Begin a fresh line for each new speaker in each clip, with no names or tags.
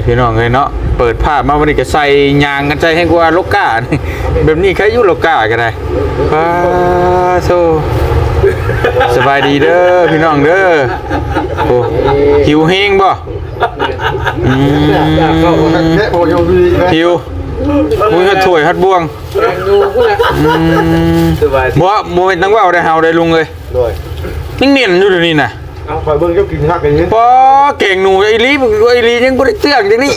พี่น้องเลยเนาะเปิดภาพมาวันนี้ก็ใส่ยางกันใจให้กว่าโลก้าแบบนี้ใครอยู่โลก้ากันได้ป้าโซสบายดีเด้อพี่น้องเด้อโอ้หิวเฮงบ่หิวมือฮัดถ้วยฮัดบ่วงบ่โมเมนต์ตั้งว่าได้เฮาได้ลุงเลยนิ่งเนียนอยู่เดี๋ยวนี้น่ะ
คอยเบิ่งเจ้ากินฮักอย่างนี้
พอเก่งหนูไอ้ลียังบ่ได้เตือนจังนี้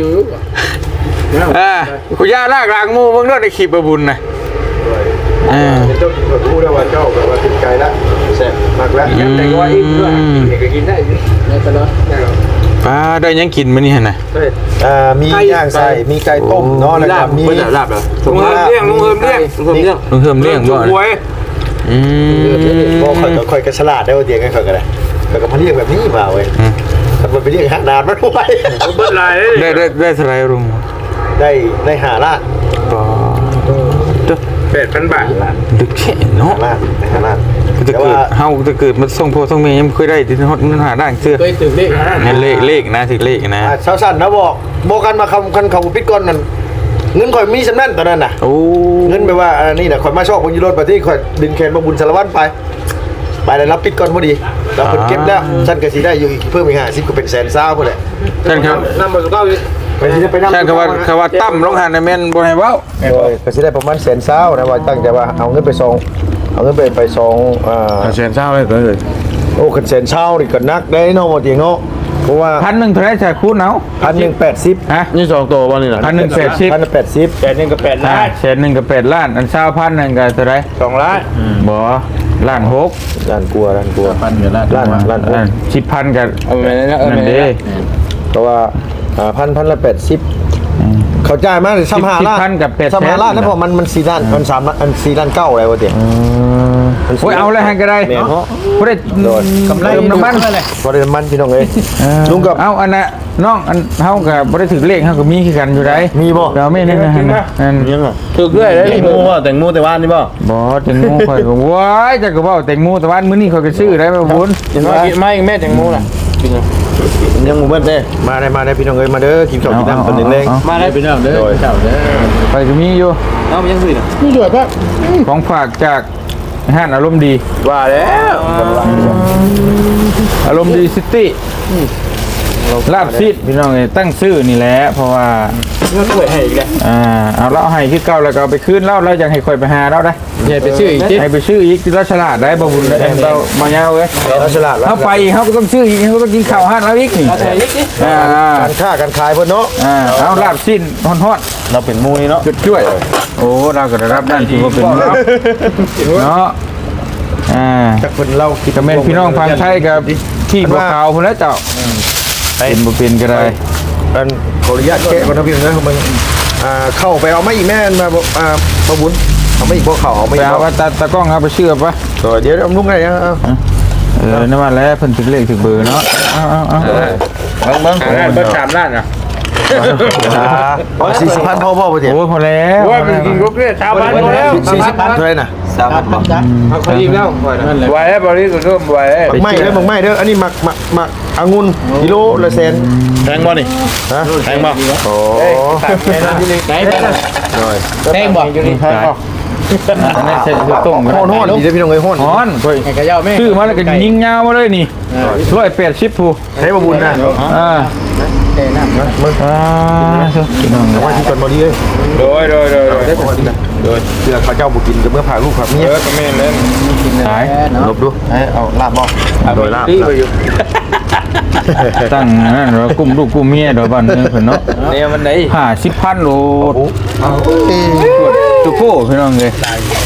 คุณย่าลากหลังหมู่เบิ่งเด้อในคลิปบุญน่ะ
เจ้ากินแบบรู้แล้วว่าเจ้าแบบว่าติดใจแล้วแซ่บมากแล้วแต่ว่าอีกด้วยเด็กก็กินได้นี่ตลอด
ป้าได้ยังกินมื้อนี้หั่นน่ะ
มีย่างใส่มีไก่ต้มเนาะแล้วก็มี
ลาบเหรอ
ลุงเลี้ยงบ่ค่อยกระฉลาดได้ว่าเตียงกันค่อยก็ได้แต่ก็มาเรียกแบบนี้มาเว้ยถ้าไปเรียกหานานมันไว้
เบิดหลายได้เท่าไหร่ลุง
ได้5ล้าน
ต่อ
8,000 บาท
ดึกแค่เนาะ
5ล้าน
จะเกิดเฮาจะเกิดมันส่งพ่อส่งแม่ยังเคยได้ที่ฮอดเงินหาได้เชื่อ
เคยถึงเลข
เลขนะถึงเลขนะ
ชาวสั่นนะบอกกันมาคันเขาปิดก่อนนั่นเงินข่อยมีสำนั่นตอนนั้นน่ะเงินไปว่านี่น่ะข่อยมาชอบคนยูโรไปที่ข่อยดึงแขนมาบุญสารวัตรไปได้รับปิดก่อนพอดีเราเพิ่นเก็บแล้วฉันก็สิได้อยู่อีกเพิ่มอีก50ก็เป็น100,000ซาวพุ่นแหละ
ท่านครับ
นำมาสุดเก้า
ไปสิไปนำ
ท่านเขาว่าตั้มลงหันในแม่นบ่ให้เว้า
ก็สิได้ประมาณ100,000ซาวนะว่าตั้งใจว่าเอาเงินไปส่งเอาเงินไปส่ง
100,000ซาวเลย
โอ้คัน100,000ซาวนี่ก็นักได้เนาะบ่เตียงเนาะเพราะว่า
1,100เท่าไหร่จะคูณเอา
1,180
ฮะนี่2ตัวบ่นี่ล่ะ1,180
1,180
1,1กับ8 ล้าน
1,1กับ8ล้านอัน20,000นึงก็เท่าไหร่
2 ล้าน
บ่ล้าน6
ล้านกลัวล้าน
10,000ก็นั่นเด้
เพราะว่า1,000ละ80เขาจ่ายมาเลย35 ล้าน
10,000กับ
35 ล้านแล้วพอมัน4 ล้านมัน3ล้าน4 ล้าน9อะไรวะเตีย
โอ้ยเอาเลยให้ก็ได้เนาะบ่ได้กำไรน้ำมัน
บ่ได้น้ำมันพี่น้องเอ้ยลุงกับ
เอาอันน่ะน้องอันเฮาก็บ่ได้ถึงเลขเฮาก็มีคือกันอยู่ได้
มีบ่
เราไม่นั่นนะอัน
ยังอ่ะ
ถูกด้วยได้แตงโมบ่แตงโมแต่ว่านนี่บ่
แตงโมข่อยก็ว้ายจักก็เว้าแตงโมแต่ว่านมื้อนี้ข่อยก็ซื้อได้บ่บุญ
ไม่แม่แตงโมล่ะ
ยังบ่เบิดเด้มาได้พี่น้องเอ้ยมาเด้อกินข้าวกินน้ำคนนึงเล้ง
มาได้พี่น้องเด้อเจ้าเด้อ
ไปก็มีอยู่
เอายังสิน่ะ
มีด้วยป่ะ
ของฝากจากห้านอารมณ์ดี
ว่าแล้ว
อารมณ์ดีซิตี้ลาบซีดพี่น้องตั้งชื่อนี่แหละเพราะว่า
เงินสวยให้อีกแล้ว
เอาเล่าให้คือเก่าแล้วก็เอาไปคืนเล่าแล้วยังให้ค่อยไปหาเล่าได้
อย่าไปชื่ออีก
ให้ไปชื่ออีกที่ราชลาดได้บ่บุญได้เบามาเงาเว้ย
ราชลาด
เขาไปเขาก็ต้องชื่ออีกเขาต้องกินข้าวห้านแล้วอีกนี่
การค้าการขายเพิ่นเนาะ
เอาลาบซีดฮอด
เราเป็นมูนี่เนาะ
ช่วยโอ้เราก็ได้รับด้านที่ว่าเป็นเนาะ
จากเพิ่นเราคิด
กับแม่พี่น้องฟังไทยกับที่บัวขาวพุ่นแล้วเจ้าเป็นบ่เป็นก็ได้
อันขออนุญาตแกะก่อนนะพี่น้องมันเข้าไปเอาไม่อีกแม่มาบ่บุญเอาไม่อีกบ่เข้าเอาไม่
เอาว่าตากล้องเอาไปเชื่อปะ
เดี๋ยวเอาลุงได้ยัง
นั่นว่าแล้วเพิ่นถึงเลขถึงเบอร์เนาะ
เอาเบิ่งเบิ่ง3 ล้านอ่ะ
40,000พอบ่เถียง
โอ้พอแล้ว
ว่ามันกินกบเนี่ยชาวบ้านพอแล้ว
40,000เท่าไหร่น่ะ
3,000บ่เอาขอยิ้มแล้วไว้แล้วบ่นี้ก็ร่วมไว้
ไม่เด้ออันนี้มักองุ่นกิโลละแสน
แพงบ่นี่
ฮะ
แพงบ่
โอ้
แพงนั่นที่นี่ไหนแพงบ่อยู่นี่แพงบ่
อันนี้ใส่ต้ม
ฮ้อนดีเด้อพี่น้องเอ้ยฮ้อน
ให้กระเจ้าแม่
ชื่อมาแล้วก็ยิงยาวมาเลยนี่180ผู้
ให้บ่บุญนะมึง
พี่น้อง
ว่าที่ก่อนบ่ดีเอ้ย
โดย
ได้บ่ดีนะโดยเพื่อเขาเจ้าบ่กินก็เมื่อพาลูกครับนี่
ก็แม่นเล่น
กินได้
ลบดูให้เอาลาบบ่โดยลาบ
ตั้งนั่นเรากุมลูกกุมเมียเดี๋ยวบ้านนึงเพิ่นเนาะ
เนี่ยมันได้
50,000โลตุโก้พี่น้องเอ้ย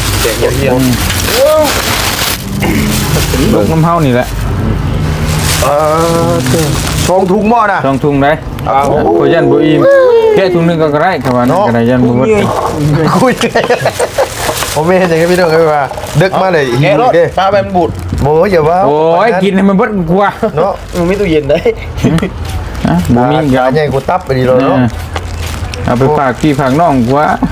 ลูกน้ำเฮานี่แหละ
ช่องถุงบ่น่ะ
ช่องถุงได้ก็ยันบ่อิ่มแค่ถุงนึงก็ได้ครับว่าก็ได้ยันบ่หมด
คุยผมไม่เห็นอย่างนี้พี่น้องเอ้ยว่าดึกมาเลยหิวเด้
ปลาแบบบูด
โอ้ยอย่าว่า
โอ้ยกินให้มันเบิดกว่า
เนาะ
มันมีตู้เย็นได้
บ่มี
ยาใหญ่กูตับไปดีเลยเนาะ
เอาไปฝากพี่ฝากน้องกว่า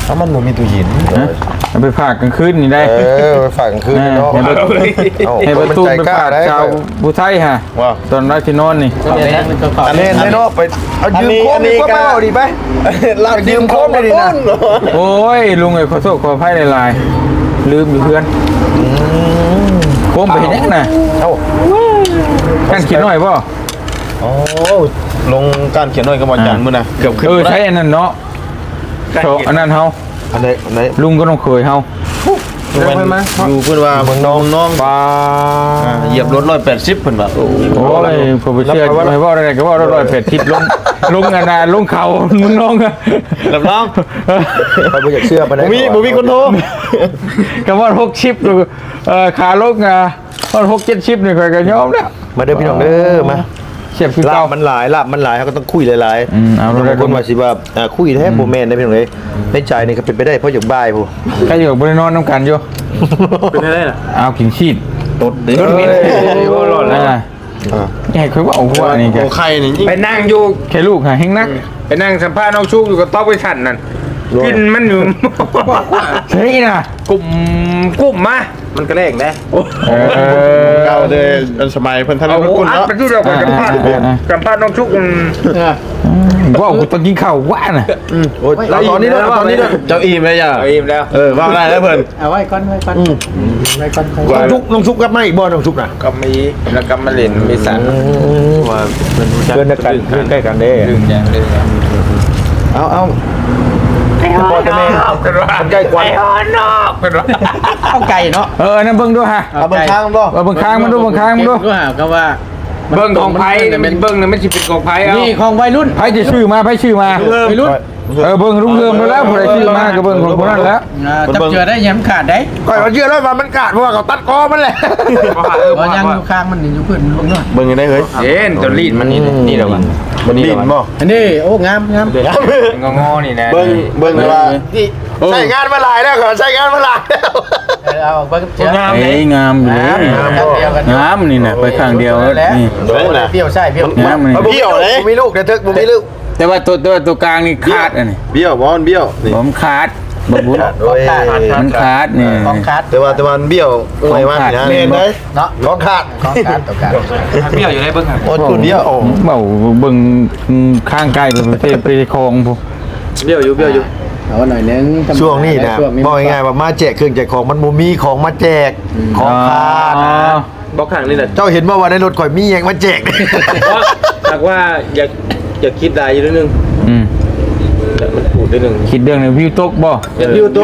ถ้ามันบ่มีตู้เย็น
ฮะเอาไปฝากกลางคืนนี่ได้
ไปฝากกลางคืนเนาะ
ให้ประตูไปฝากชาวบุไทยฮะ
ว้าว
ตอนรัที่นอนนี่
อันนี้เนาะไปเอายืมโค้งดีกว่าเปล่าดีไปลากยืมโค้งได้ดีนะ
โอ้ยลุงเอ้ยขอโทษขออภัยหลายๆลืมอยู่เพื่อนโคมไปเห็นยังน่ะ
เอ้า
กันคิดหน่อยป่ะ
โอ้ลงการเขียนหน่อยก็บ่จังมื้อน่ะเกือบขึ้น
ใช้อันนั้นเนาะโชอันนั้นเฮา
อันไหน
ลุงก็ต้องเคยเฮา
อยู่เพิ่นว่าเมืองน้อง
ปลา
เหยียบรถ180เพิ่นว่า
โอ้ยผมไปเชื่อไม่ว่าอะไรก็ว่า180ลงอันน่ะลงเขามึงน้องอะ
รับรองไปบ่อยากเชื่อปานใดบ่มีคนโทร
ก็ว่า6ชิปขาลงอ่ะว่า6-7ชิปนี่ค่อยก็ยอมแล้ว
มาเด้อพี่น้องเด้อมา
เสียบคือ
ลา
เก่า
บมันหลายเขาก็ต้องคุยหลาย
เอา
บาง
ได้
คนว่าสิว่าคุยแท้บ่แม่นได้พี่น้องเอ้ยในใจนี่ก็เป็นไปได้เพราะอย่างบ่ายผู้
ใครอยู่บนนอนน้ำกันอยู่
เป็นได้ล่ะ
เอาขิงชีด
ตดเด้
โอ้หล่อแล้วใหญ่คือว่าเอาหัวนี่แก
โอ้ไข่นี่ยิ่ง
ไปนั่งอยู่
แค่ลูกหาเฮงนัก
ไปนั่งสัมภาษณ์น้องชุกอยู่กับต๊อกไปฉันนั่นกินมันอยู่
เฮ้ยนะ
กลุ่มมามันก็แรงนะ
เก่าเลยสมัยเพิ่นทัน
เอา
เพิ่นคุณ
อัด
เนาะ
ไปที่เราสัมภาษณ์น้องชุก
ว่ากูต้องกินข้าวว่าน่ะ
โอ้ยตอนนี้ด้วยเจ้าอิ่มเลยจ้ะ
เอาอิ่มแล้ว
ว่าได้แล้วเพิ่น
เอาไว้ก่อนไว้ก่อนไว้ก่อน
น้องชุกกับมาอีกบ่น้องชุกน่ะ
ก็มีแล้วก็มาเล่นมีสัน
ว่าเพิ่นรู้จักเพื่อนกันใกล้กันเด้
ลืมอย่างลืมอย่าง
เอาพ่อจะแม่มันใกล้กว่า
เอาไก่เนาะ
นั่นเบิ่งดูฮะ
เอาเบิ่งทางบ่
เบิ่งค้างมันดูเบิ่งค้างมันดู
ก็หาก็ว่า
เบิ้งของไผ่เป็นเบิ้งนะไม่ใช่เป็นของไผ่เอา
นี่ของวัยรุ่น
ไผจะชื่อมาไผชื่อมา
วัยรุ่น
เบิ่งรุ่งเรืองแล้วผู้ใดชื่อมาก็เบิ่งของคนนั้นแล้ว
จับเจือได้ย้ำขาดได้
ก่อยมันเชื่อแล้วว่ามันขาดเพราะว่าเขาตัดคอมันแหละ
เพราะยังอยู่ข้างมันอยู่พื้นลงเนาะ
เบิ่งยังได้เฮ้ย
เย็นตัวลีดมันนี่เดี๋ยว
มันดินบ่
อันนี้โอ้งาม
งอนี่นะ
เบิ่งเลยว่าใช้งานมาหลายแล้วก่อนใช้งานมาหลายแล้ว
เอาไปกับเจือ
งาม
เอ้ยงามอยู่เลยงามนี่น่ะไปข้างเดียวนี่
เปรี้ยวใช่เปรี้ยว
งามนี่
เบี้ยวเลยมีลูกแต่เถิกบ่มีลูก
แต่ว่าตัวกลางนี่ขาดอันนี้
เบี้ยวบ่มันเบี้ยวนี่
ผมขาดบ่บุญมันขาดนี่
ของขาด
แต่ว่ามันเบี้ยวไม่ว่านะเห็นได้
เนาะ
ของขาด
ของขาดต่อกัน
เบี้ยวอยู่ในเบิ้ง
โอ้คุณเบี้ยว
เบาเบิ่งข้างใกล้ไปคลองพวก
เบี้ยวอยู่
เอาหน่อยนึง
ช่วงนี้นะบอกง่ายๆว่ามาแจกเครื่องแจกของมันบ่มีของมาแจกของขาด
บอกขังนี่แหละ
เจ้าเห็นว่าในรถข่อยมีหยังมาแจก
หากว่าอยากคิดได้อยู่นิดนึง
อืม
มันพูดนิดนึง
คิดเรื่องในวิวตกบ่
อยู่ตัว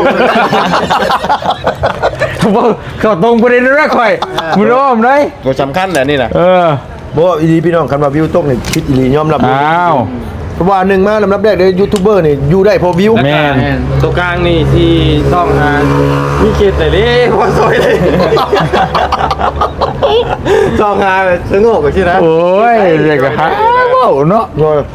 บ่เข้าตรงประเด็นแล้วค่อยมึงรู้มั้ยเลย
ตัวสำคัญแหละนี่นะ บ่อีลีพี่น้องคันว่าวิวตกนี่คิดอีลียอมรับ
อ้าว
เพราะว่าหนึ่งมาลำดับแรกเลยยูทูบเบอร์นี่อยู่ได้เพราะวิว
แม่น
ตัวกลางนี่ที่ต้องมีเขตแต่เล่พอซอยเลยต้องหาสงบกันใช่ไหม
โอ้ยเด็กก็หาเว้าเนาะ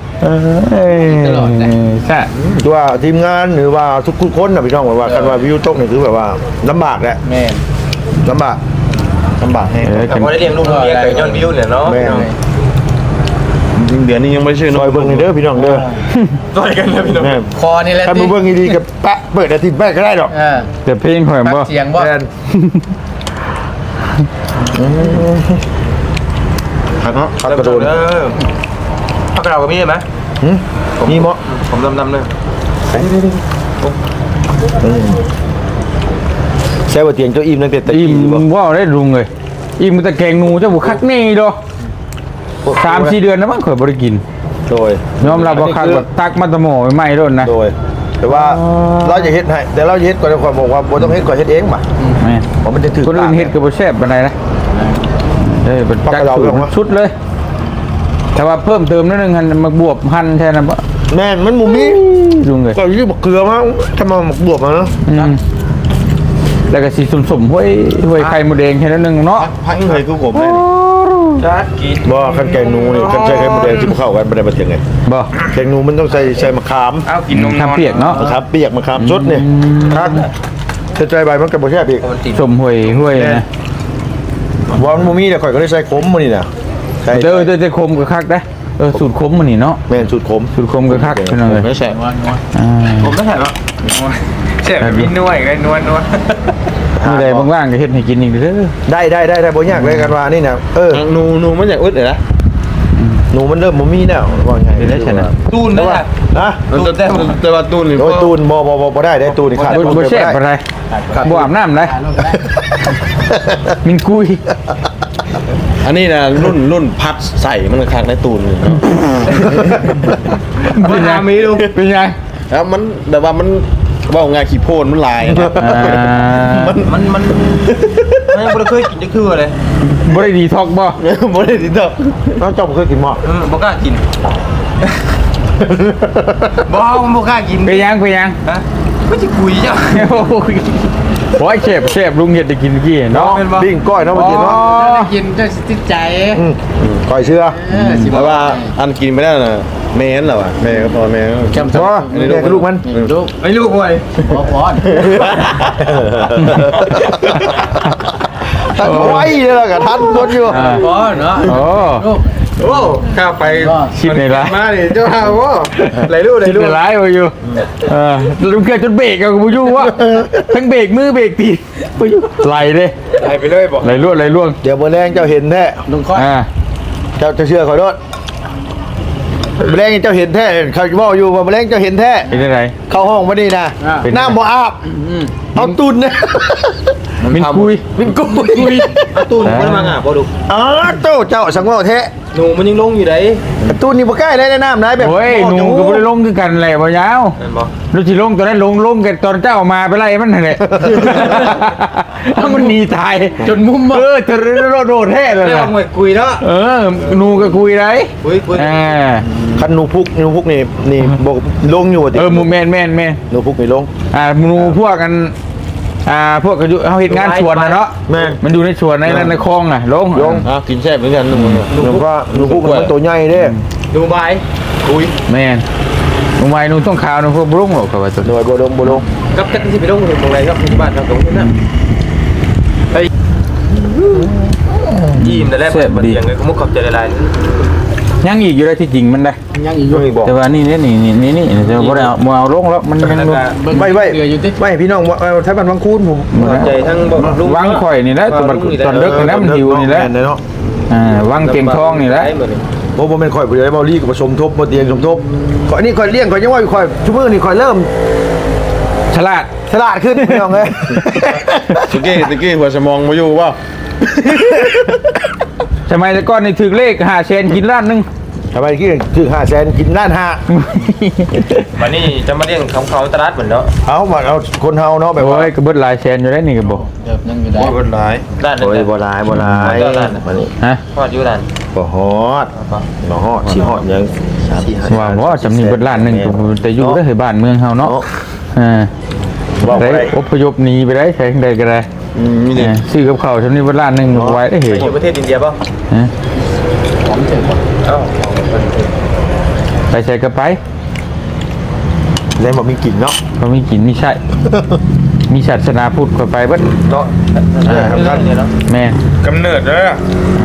ใช่
ตัวทีมงานหรือว่าทุกคนน่ะพี่น้องว่าคันว่าวิวตกนี่คือแบบว่าลำบากแหละ
แม่
ลำบากให้
แต่พอได้เลี้ยงลูกเลี้ยงไก่ย้อนวิวเนี่ยเนาะ
แม่จริงเดือนนี้ยังไม่ชื่อซอยเบิ่งนี่เด้อพี่น้องเด้อ
ซอยกันนะพี่น้อง
แม่
คอนี่แหละ
ถ้ามึงเบิ่งดีๆกับปะเปิดอาทิตย์แม่ก็ได้ดอก
แต่เพลงข่อยบ่
เสียงบ่
แม่นครับเนาะครับกระโดด
พักกระเราก็มีไหม
นี่เหมาะ
ผมดำๆเลย
ใช่ว่าเตียงเจ้าอิ่มตั้งแต่ตะ
อิ่
กี้
ม
บ่
ว่าได้ลุงเลยอิ่มแต่แกงหนูเจ้าบุคักนี่ดอก3-4 เดือนนะมั้งข่อยบ่ได้กิน
โดย
ยอมรับว่าคักแบบตักมาตะหมอใหม่ๆโดนนะ
โดยแต่ว่าเราจะเฮ็ดให้แต่เราจะเฮ็ดก่อนจะบอกว่าบ่ต้องเฮ็ดก่อนเฮ็ดเองป่ะ
แม่น
เพราะมันจะถือ
คนอื่นเฮ็ดก็บ่แซ่บปานใดนะเป็นจักสูตรชุดเลย แต่ว่าเพิ่มเติมนิดนึงหั่นมาบวบหั่นแทนน่ะบ่
แม่นมันหมูมี
ลุงเลย
ก็ยี่บเกลือมาทำมาหมกบวบมาเนาะ
แล้วก็สีสมๆห้วยไข่หมูแดงแค่นั้นนึงเนาะ
พังเลยกูผมเลย
จัดกิน
บ่คันแกงหนูนี่คันใช้ไข่มดแดงที่เข้ากันบ่ได้บ่เถียงไง
บ่
แกงหนูมันต้องใส่มะขาม
เอากินนม
ทำเปียกเนาะ
มะขามเปียกมะขามสดนี่คักถ้าใจใบมันก็บ่แซ่บอีก
สมห้วยนะ
ว่ามันบ่มีแต่ข่อยก็ได้ใส่ขมมื้อนี่น่ะใส่
เด้อคมก็คักได้สูตรคมมันนี่เนาะ
แม่นสูตรขม
สูตรคมก็คักพี่น้องเลย
ไม่ใช่
อ่า
ผมไม่ใช่หรอกแช่แบบมีนวดกันนวด
มื้อใดว่างๆก็เฮ็ดให้กินอีกเด้อ
ได้บ่ยากเลยกันว่านี่นะ
นูมันอยากอึดเลยนะ
หนูมันเริ่มบ่มีแล้วว่าไง
ได้ชนะ
ตูนได้ป่ะ
นะ
แต่ว่าตูนนี่
โดยตูนบ่ได้ตูนนี่ขาด
บ่แซ่บปานใดบ่อาบน้ำได้มินกุย
อันนี้นะรุ่นพัดใส่มันคักในตูนเนาะ
เป็นยังมีดูเป็นยัง
แล้วมันแต่ว่ามันว่าง่ายขี้โพนมันลายนะมันไม่เคยกินจะคืออะไร
บ่ได้ดีท็อกบ่
บ่ได้ติดต่อ
น้องจอมเคยกินหม้อ
บ่กล้ากินบ่กล้ากิน
เป็นยัง
ฮะไม่จะคุยจ้ะ
โอ้ยเชฟลุงเฮ็ดได้กินเมื่อกี้เนาะ
ปิ้งก้อยเนาะมากินเนาะ
กินจะติดใจ
ก้อยเชื่อ
แต่ว่าอันกินไม่ได้น่ะแม่นเหรอวะแม่ก็พอแม่
แก้มซ้อนี่ลูกมัน
ลูก
ไม่ลูกบ่อย
พอ
ทันไว้เลยล่ะกับทันคนอยู่
พอเนาะ
โอ้
ลูก
โอ้ข้าไป
ชิดในร้าน
มาดิเจ้าฮาวะไหลลูกไหล
ชิด
ลูก
ในร้านอยู่ลุงเกิดจนเบรกกับกูอยู่วะทั้งเบรกมือเบรกตีบ่อยู่ไหลเด้
ไหลไปเลยบอก
ไหลล่วง
เดี๋ยวมื้อแรงเจ้าเห็นแท้
ลุงค่อย
เจ้าจะเชื่อขอโทษมื้อแรงเจ้าเห็นแท้เขาจะบอกอยู่ว่ามื้อแรงเจ้าเห็นแท้
เป็นอะไร
เข้าห้องมานี่นะน้ำบ่อาบเอาตุนนะ
มินกุย
มินกุย
ตูนมันมาง่ะพอดู
อ๋อเจ้าสังเว่าแท้
หนูมันยังลงอยู่ไหน
ตูนนี่บ่ใกล้ได้น้ำนะแบบ
โอ้ยหนูก็บ่ได้ลงคือกันแหละบ่ยาว
นั่นบอก
ลูกสิลงตอนนั้นลงกันตอนเจ้ามาไปไล่มันนั่นแหละถ้ามันหนีตายจนมุมจะโดดแท้เลย
ไม่
นะ
ว่าหมวยคุยเนาะ
หนูก็คุยได้
คุย
คันหนูพุกนี่บอกลงอยู่ติ
หมูแมน
หนูพุกนี่ลง
หนูพวกกันพวกกันอยู่เขาเห็นงานสวนนะเนาะ
แม่น
มันอยู่ในสวนในคลองอ่ะลง
กินแซ่บเหมือนกันหนู
หนูก็หนูพุกมันตัวใหญ่เด้
ดูใบคุย
แม่นหนูไว้หนูต้องขาวหนูพวกบรุ่งหรอกครับว่าตัว
หน่วยบ่ลง
กับจักที่ไปลงตรงไหนครับที่บ้านครับตรงนี้นะไอ้ยิ้มแต่แรกมันยังไงก็มุกขอบใจละลาย
ยังอีกอยู่ได้ที่จริงมันได้
ยังอีกอยู่
ไม่บอก
แต่ว่านี่จะบ่ได้เอาลงแล้วมันยัง
ไม่
เหลืออยู่ติ
ไม่พี่น้องใช้บันวังคูนผม
ใจทั้งบอกลุง
วางข่อยนี่แหละตอนเด็กนี่นะมันหิวนี่แหละ
เนาะ
วางเตียงทองนี่แหละ
โอ้บ่แม่นข่อยผู้ใดเบาลี่ก็มาสมทบมาเตียงสมทบข่อยนี่ข่อยเลี้ยงข่อยยังว่าข่อยชั่วโมงนี่ข่อยเริ่ม
ฉลาด
ฉลาดขึ้นพี่น้องเอ้ย
ตะกี้หัวสมองมาอยู่ว่า
สมัยแต่ก่อนนี่ถือเลข5 เซนกินล้านนึง
ทำไมกี้คือ500,000กินล้านห้า
วันนี้จะมาเลี้ยงของเขาตลาดเหมือนเนาะ
เอามาเอาคนเฮาเนาะแบบ
โอ้
ว่าย
ก็เบิดหลายแสนอยู่ได้นี่ก็บอก
เดี๋ยวยังอยู่ได้
โอ้ยหลายด้าน
โอ้ยบ่หลายมานี่
ฮะ
ทอดอยู่ด้าน
บ่ฮอดบ่ฮอดสิฮอดยัง4
ว่าบ่จำนี่เบิดล้านหนึงก็แต่อยู่ได้ให้บ้านเมืองเฮาเนาะได้อพยพหนีไปได้ใช้ได้ก็ได้
นี่ดิ
ซื้อกับข้าวจำนี่เบิดล้านหนึงไว้ได้เห็น
อยู่ประเทศอินเดียป่ะ
ฮะ
ผมเจ็บ
เอ้า
ไปใส่กระไป
แล้วบ่มีกินเนาะ
บ่มีกินมีใช่มีศาสนาพุทธก็ไปเบิด
เนาะ
แม่
กำเนิดเลยอ่ะ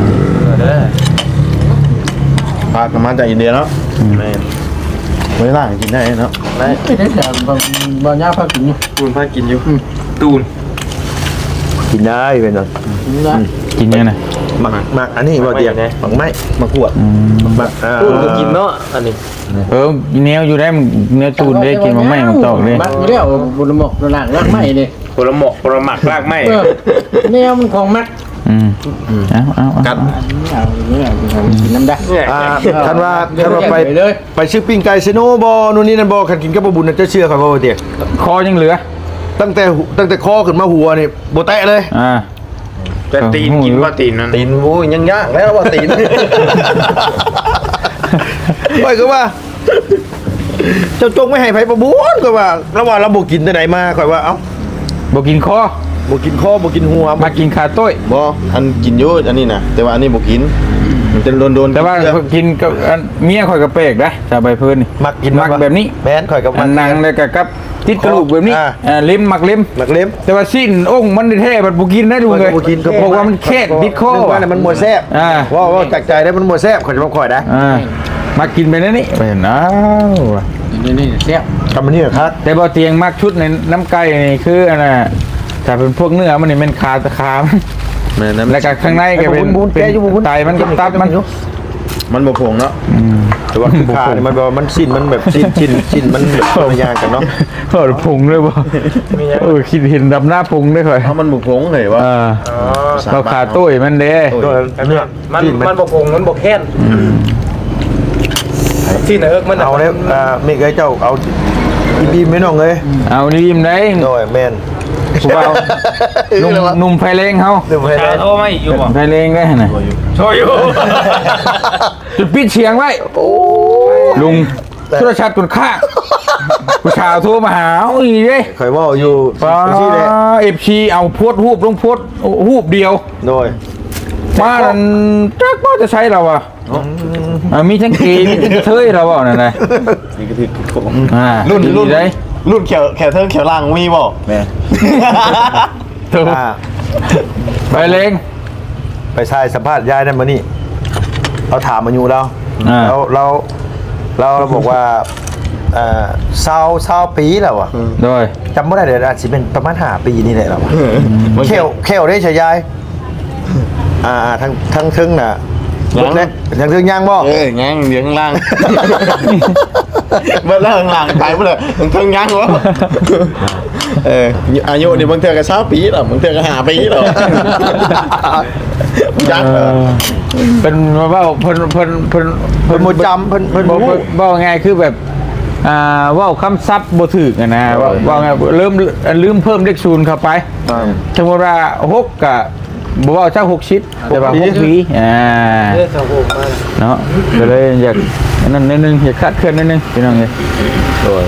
พากมาจากอินเดียเนาะไม่ล่ากินได้เนาะ
ไม่ได้แต่บ่ยากพักกินอยู่
ตูนพากินอยู่ตูน
กินได้เป็นเนาะ
นะ
กินยังไง
หมักอันนี้บ่เตียงหมักไม้หมักขวดหมัก
ตูนก็กินเนาะอันนี้
แนวอยู่ได้แนวตูนได้กินมันไม่มันตอกเลย
มักอยู่แล้วบุญหมกหลังรักไม่เลย
ผลหมกผลหมักรากไม้
แนวมันของมัก
เอา
กัด
เอาอย่างนี้กินน้ำได้
คันว่าไปซื้อปิ้งไก่เซโนบ่นู่นนี่นั่นบ่คันกินกับบ่บุญน่ะจะเชื่อครับบ่เตียง
คอยังเหลือ
ตั้งแต่คอขึ้นมาหัวนี่บ่แตะเลย
แต่ตีนกินว่าตีนนั่น
ตีนโอ้ยยังยากแล้วว่าตีนไปก็ว่าเจ้าจงไม่ให้ไผประบุญก็ว่าระหว่างเราบ่กินแต่ไหนมาค่อยว่าเอ้า
บอกกินคอ
บ่กินคอบ่กินหัว
มากินขาต้วย
บ่อันกินอยู่อันนี้นะแต่ว่าอันนี้บ่กินมันจะโดน
แต่ว่ากินกับเมียข่อยกับเปกได้ชาวใบพื้นนี่
มักกิน
มักแบบนี้
แม่นข่อยกับ
อันนางเลยกับติดกระดูกแบบนี้ลิ้มมักลิ้ม
มักเล็ม
แต่ว่าสิ้นองค์มันแท้มันบ่กินได้ดูเลย
บ่กินก็
บอกว่ามันแค่ติดคอ
ว่ามันมัวแซ่บว่าจากใจได้มันมัวแซ่บข่อยจะบ่ค่อยได้
มากินไปนั่นนี่เป็นอ้าว
นี่เสียบ
ทำมันนี่เหรอครับ
แต่บ่เตียงมักชุดในน้ำไก่นี่คืออันน่ะแต่เป็นพวกเนื้อมันนี่เป็นขาตะขาแล้วก็ข้างในก็เป็นไตมันกับตับมัน
บ่ผงเนาะ
แต่ว่าคือขาเนี่ยมันแบบมันสิ้นมันแบบสิ้นมันแบบคนละอย่างกันเนาะ
เปิดพุงเลยบ่คิดเห็นดำหน้าพุงได้ค่อย
เพราะมันบ่ผงเลยว่า
เราขาตุ้ยมันเด้
ตัวเนื้อ
มันบกงมันบกแค้นที่ไหนมัน
เอาเนี่ยเมฆไอ้เจ้าเอาอีบีไม่น้องเลย
เอานี่ยิ้มได้
โดยแมน
ผู้บ่าวนุ่มไฟแรงเฮา
เดี๋ยวไป
ชาโทรไม่อยู่บ่
ไฟแรงได้น่ะ
โทรอยู่
จุดปิดเสียงไว้ลุงโทรศัพท์ตุนค่าผู้ชาวโทรมาหาอีเด้
เคยว่าอยู่
ป้า
ที่เลย
FC เอาโพดรูปลงโพดรูปเดียว
โดย
มานั่นจักว่าจะใช้เราอ่ะมีทั้งเกย์มีทั้งเทยเราอ่ะนั่นแหละ
นี่ก็คือของ
รุ่นได้
รุ่นแขวเทิงแขวล่างมีบ่แม่
ถูกไปเลง
ไปใช่สัมภาษณ์ยายนั่นมานี่เราถามมาอยู่เราเราบอกว่าเศร้าปีแล้วอ่ะ
โดย
จำไม่ได้เดี๋ยวอาจจะเป็นประมาณ5 ปีนี่แหละเราเขี้ยวได้ใช่ยายทั้งทึ่งน่ะทั้งทึ่งย่างบ่
ย่างเดี๋ยวข้างล่างเมื่อล่างล่างไปเมื่อเลยถึงทึ่งย่างวะอายุเนี่ยบางเทื่อก็20 ปีหรอบางเทื่อก็5 ปีหรอจัก
เป็นว่าเพิ่น
เพิ่นโมจำเพิ่น
ว่าไงคือแบบว่าคำซับบ่ถึกนะว่าไงลืมเพิ่มเลข0เข้าไปสมมติว่า6กับบ่ว่าจัก6ชิดแต่ว่า6ปีเนาะก็เลยอยากนั่นนิดนึงอยากคาดเคลื่อนนิดนึงพี่น้องเอ้ยโดย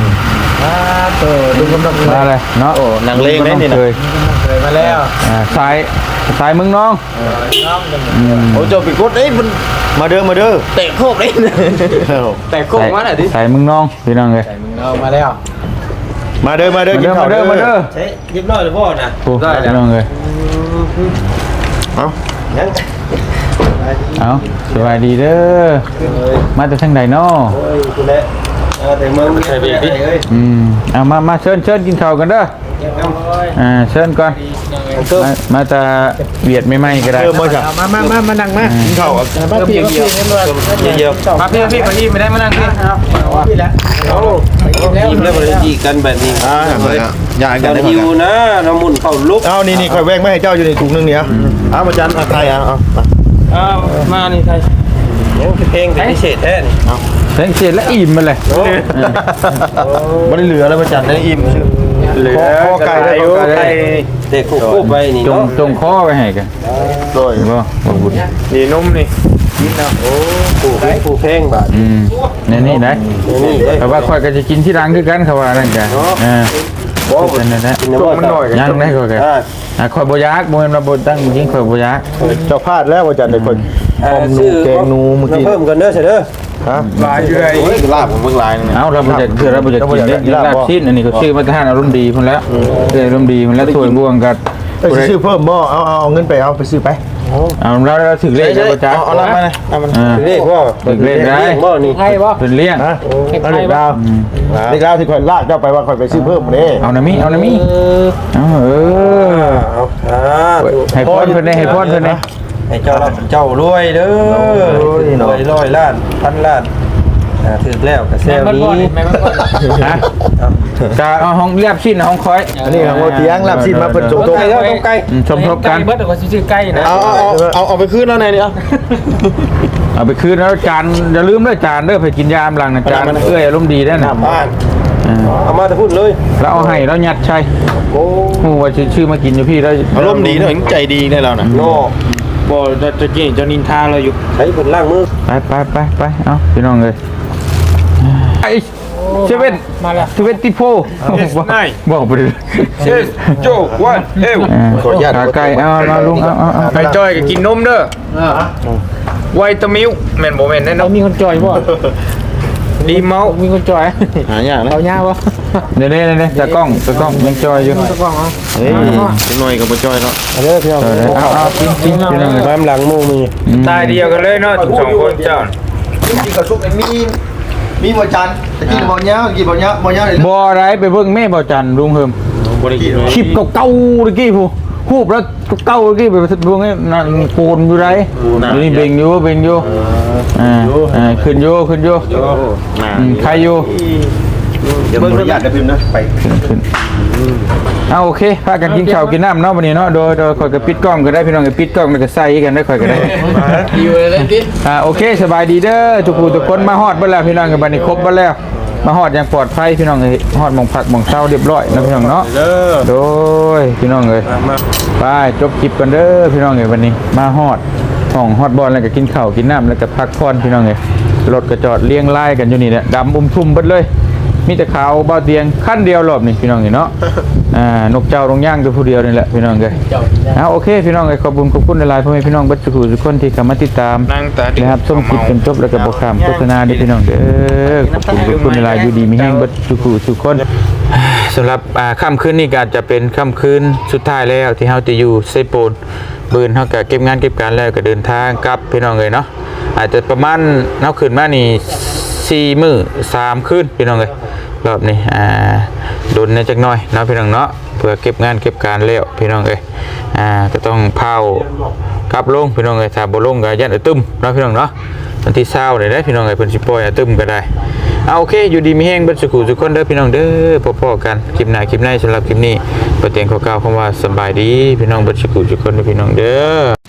ดูกำลังมาเลยเนาะ
หนังเลงได้นี่นะ
เคย
มาแล้ว
สายมึงน้อง
โอ้เจ้าไปกดเอ้ยมัน
มาเด้อ
เตะโคกได้
แต่โกงมาหน่อยดิ
สายมึงน้องพี่น้องเลย
เอามาแล้ว
มาเด้อ
มาเด้อ
ใช้ยิบน้อยหรือพ่อนะ
ได้พี่น้องเลยเอาสบายดีเด้อมาจากทางใดเนาะ
คุณแม่แต่เมืองใช่ไหม
เอามาเชิญกินข้าวกันเด้อเชิญก่อนมาจะเบียดไม่ไหมก็ได้
มาจ้ะ
มานั่งมา
กินข้าว
มาพี่เดียว
เยอะ
มาพี่ไม่ได้มานั่งพี่พี่แล้วยิ้มแล้วมันจีกันแบบนี้
อยากกันได้
หิวนะน้ำมุนเข้าลุก
เอานี่ค่อยแวงไม่ให้เจ้าอยู่ในถุงนึงเนี่ยเอามาจันใครเอา
มานี่ใครเพลงพิเศษแท้นี่
เสียงเสียและอิ่มมาเลย
ไม่ได้เหลือแล้วมาจันได้อิ่มเหลือข้อไก่ได้
เด็กคู่ไปนี่
จงข้อไปให้กัน
โดย
บ่บุญ
นี่นุ่มนี่กินนะโอ้คู่เพลงบาท
นี่นะ
นี่
แต่ว่าค่อยก็จะกินที่ร้านคือกันเขาว่านั่นกันนั่นนะ
มันหน่อย
ยังได้ค่อยกันค่อยบ่ยักบ่แม่นว่าบ่ตั้งจริงค่อยบ่ยัก
เจ้าพลาดแล้วมาจันได้คนหอมนูแกงนูเมื่อกี้
เพิ่มกันเด้อเสร็จเด้อ
ฮะ
ลายอยู่ไหน
ลาบผมเบิ่งลายนึง
เอาเราบ่จะคือเราบ่จะกินลาบชิ้นอันนี้ก็ชื่อมาทานอารมณ์ดีพุ่นแล้วอารมณ์ดีพุ่นแล้วถ้วยบวงกัน
ไปซื้อเพิ่มบ่เอาเงินไปเอาไปซื้อไป
เอาเราถึงเลขแล้วบ่จ๊ะ
เอาลาบมาเลยเอามัน
เรียกว่า
ถึงเลขได้
บ่นี่
ใครบ่
เป็นเลี้ยง
ฮะเอาเด็กดาวเด็กดาวที่คอยลากเจ้าไปว่าคอยไปซื้อเพิ่มนี่
เอานะมิเอาให้พรเพิ่นได้ให้พรเพิ่นได้
ให้เจ้ารวยเด้อรวย100 ล้าน1,000 ล้านถึกแล้วก็แซวนี้
ฮะจะเอาห้องเรียบชิ้นห้องคอย
อันนี้ของโอเตียงลาบซินมาเพิ่นส่งตรง
ไก่แล้วไก่
สมทบกัน
เบิดก็สิซื้อไก่นะ
เอาไปคืนแล้วไหนเนี่ย
เอาไปคืนแล้วจานอย่าลืมด้วยจานเด้อไปกินยามหลังนะจานเอื้อยอารมณ์ดีได้นะ
บ้านเอามาแต่พูดเลย
แล้วเอาให้แล้วยัดใช่
โอ้
โอ้ว่าชื่อมากินอยู่พี่แล้ว
อารมณ์ดีเถึงใจดีได้แล้วนะ
โน่
บ่จะกินจะนินทาเราอยู่
ใช้ผลล่างมือ
ไปเอาพี่น้องเลยไอ้เซเว่นมาแล้วเซเว่นติโฟบอกไปเลย
เชสโจวันเอว
ขาไก่เอาลุงเอา
ไปจอยก็กินนมเด้อไวตามิลแม่นบ่แม่นแน่นอน
มีคนจอยบ่
ดีเมา
มีคนจอย
หายากนะ
เอาหญ้าบ่
เดี๋ยวตากล้องยังจอยอยู่
ตะกล้องเอา
เฮ้ยเป็นหน่อยกับบ่จ้อยเนาะ
เด้อพี่น้อง
เอากินพี่น้องเลย
บ้านหลังมูมีตายเดียวกันเลยเนาะทุก2คนเจ้า
กินข้าวชุบมีบ่จันตะกี้บ่เนี้ยกินบ่เนี้ยเลย
บ่ไรไปเบิ่งแม่บ่จันลุงเฮิม
บ่ได้กิน
คลิปเก่าๆตะกี้ผู้ฮูบแล้วเก่าตะกี้ไปเบิ่งให้นั่นโกนอยู่ไรนี่เบ่งอยู่ขึ้นอยู่ใครอยู่
เดี๋ยวเบิ่งญาติพิมพ์นะไป
ขึ้นเอาโอเคพากันกินข้าวกินน้ำเนาะวันนี้เนาะโดยข่อยก็ปิดกล้องก็ได้พี่น้องก็ปิดกล้องแล้วก็ใส่กันได้ข่อยก็ได้
อยู่เลยดิ
โอเคสบายดีเด้อทุกผู้ทุกคนมาฮอดเบิดแล้วพี่น้องกันบัดนี้ครบเบิดแล้วมาฮอดอย่างปลอดภัยพี่น้องเอ้ยฮอดหม่องพักหม่องเช้าเรียบร้อยนะพี่น้องเนาะ
เด้อ
โดยพี่น้องเอ้ย
มา
ไปจบคลิปกันเด้อพี่น้องเอ้ยวันนี้มาฮอดห้องฮอดบอลแล้วก็กินข้าวกินน้ำแล้วก็พักผ่อนพี่น้องเอ้ยรถก็จอดเลี้ยงไล่กันอยู่นี่แหละดำทุ่มเบิดเลยมีแต่ขาวเบาเตียงขั้นเดียวรอบนี่พี่น้องเอ้ยเนาะนกเจ้าลงย่างตัวผู้เดียวนี่แหละพี่น้องเอ้ยโอเคพี่น้องเอ้ยขอบคุณหลายๆพ่อแม่พี่น้องเบัดทุกคนที่เข้ามาติดตาม
นั่งตาดิ
นะครับส้มกินจนจบแล้วก็บอกคำโฆษณาด้วยพี่น้องเด้อขอบคุณเวลาอยู่ดีมีแห้งเบัดทุกคนสำหรับค่ำคืนนี้ก็จะเป็นค่ำคืนสุดท้ายแล้วที่เฮาจะอยู่เซโปนบืนเฮาก็เก็บงานเก็บการแล้วก็เดินทางกลับพี่น้องเลยเนาะอาจจะประมาณเฮาขึ้นมานี่4 มื้อ 3 คืนพี่น้องเลยรอบนี้โดนในจักหน่อยเนาะพี่น้องเนาะเพื่อเก็บงานเก็บการแล้วพี่น้องเลยก็ต้องเผากลับลงพี่น้องเลยถ้าบ่ลงก็ยันตึมเนาะพี่น้องเนาะวันที่20นี่ได้พี่น้องเลยเพิ่นสิปล่อยตึมก็ได้โอเคอยู่ดีมีแห้งเบิดทุกคนเด้อพี่น้องเด้อพอๆกันคลิปหน้าคลิปในสำหรับคลิปนี้บ่เตียงขอกล่าวคำว่าสบายดีพี่น้องเบิดทุกคนเด้อพี่น้องเด้อ